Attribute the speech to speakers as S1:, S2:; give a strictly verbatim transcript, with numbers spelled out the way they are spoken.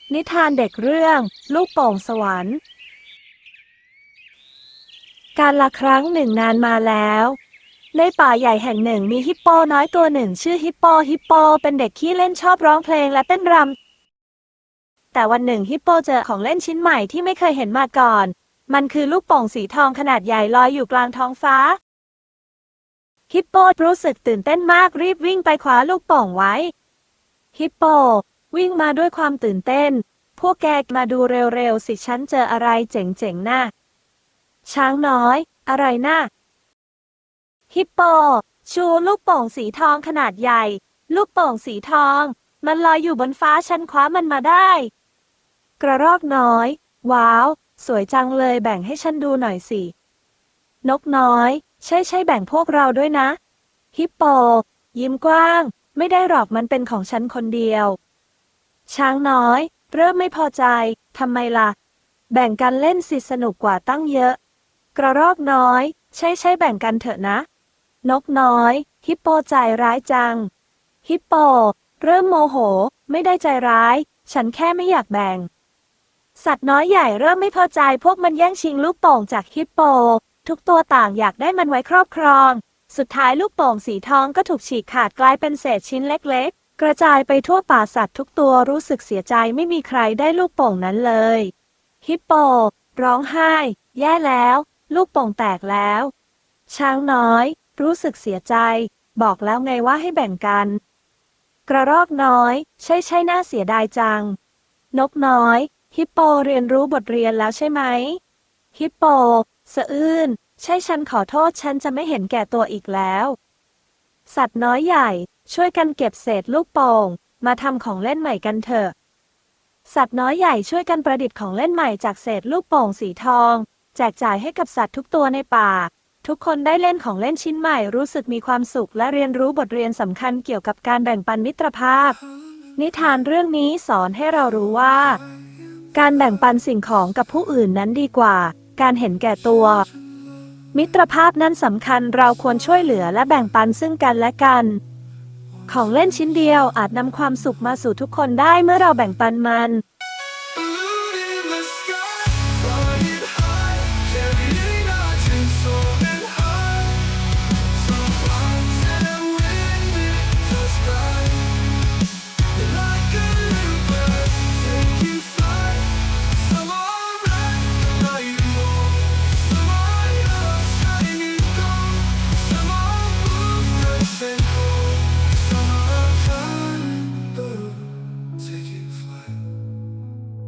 S1: นิทานเด็กเรื่องลูกโป่งสวรรค์กาลครั้งหนึ่งนานมาแล้วในป่าใหญ่แห่งหนึ่งมีฮิปโปน้อยตัวหนึ่งชื่อฮิปโปฮิปโปเป็นเด็กขี้เล่นชอบร้องเพลงและเต้นรำแต่วันหนึ่งฮิปโปเจอของเล่นชิ้นใหม่ที่ไม่เคยเห็นมาก่อนมันคือลูกโป่งสีทองขนาดใหญ่ลอยอยู่กลางท้องฟ้าฮิปโปรู้สึกตื่นเต้นมากรีบวิ่งไปคว้าลูกโป่งไว้ฮิปโปวิ่งมาด้วยความตื่นเต้นพวกแกมาดูเร็วๆสิฉันเจออะไรเจ๋งๆน่ะช้างน้อยอะไรน่ะฮิปโปชูลูกโป่งสีทองขนาดใหญ่ลูกโป่งสีทองมันลอยอยู่บนฟ้าฉันคว้ามันมาได้กระรอกน้อยว้าวสวยจังเลยแบ่งให้ฉันดูหน่อยสินกน้อยใช่ใช่แบ่งพวกเราด้วยนะฮิปโปยิ้มกว้างไม่ได้หรอกมันเป็นของฉันคนเดียวช้างน้อยเริ่มไม่พอใจทำไมล่ะแบ่งกันเล่นสิสนุกกว่าตั้งเยอะกระรอกน้อยใช่ใช่แบ่งกันเถอะนะนกน้อยฮิปโปใจร้ายจังฮิปโปเริ่มโมโหไม่ได้ใจร้ายฉันแค่ไม่อยากแบ่งสัตว์น้อยใหญ่เริ่มไม่พอใจพวกมันแย่งชิงลูกโป่งจากฮิปโปทุกตัวต่างอยากได้มันไว้ครอบครองสุดท้ายลูกโป่งสีทองก็ถูกฉีกขาดกลายเป็นเศษชิ้นเล็กๆกระจายไปทั่วป่าสัตว์ทุกตัวรู้สึกเสียใจไม่มีใครได้ลูกโป่งนั้นเลยฮิปโปร้องไห้แย่แล้วลูกโป่งแตกแล้วช้างน้อยรู้สึกเสียใจบอกแล้วไงว่าให้แบ่งกันกระรอกน้อยใช่ใช่น่าเสียดายจังนกน้อยฮิปโปเรียนรู้บทเรียนแล้วใช่ไหมฮิปโปสะอื้นใช่ฉันขอโทษฉันจะไม่เห็นแก่ตัวอีกแล้วสัตว์น้อยใหญ่ช่วยกันเก็บเศษลูกโป่งมาทำของเล่นใหม่กันเถอะสัตว์น้อยใหญ่ช่วยกันประดิษฐ์ของเล่นใหม่จากเศษลูกโป่งสีทองแจกจ่ายให้กับสัตว์ทุกตัวในป่าทุกคนได้เล่นของเล่นชิ้นใหม่รู้สึกมีความสุขและเรียนรู้บทเรียนสำคัญเกี่ยวกับการแบ่งปันมิตรภาพนิทานเรื่องนี้สอนให้เรารู้ว่าการแบ่งปันสิ่งของกับผู้อื่นนั้นดีกว่าการเห็นแก่ตัวมิตรภาพนั้นสำคัญเราควรช่วยเหลือและแบ่งปันซึ่งกันและกันของเล่นชิ้นเดียวอาจนำความสุขมาสู่ทุกคนได้เมื่อเราแบ่งปันมัน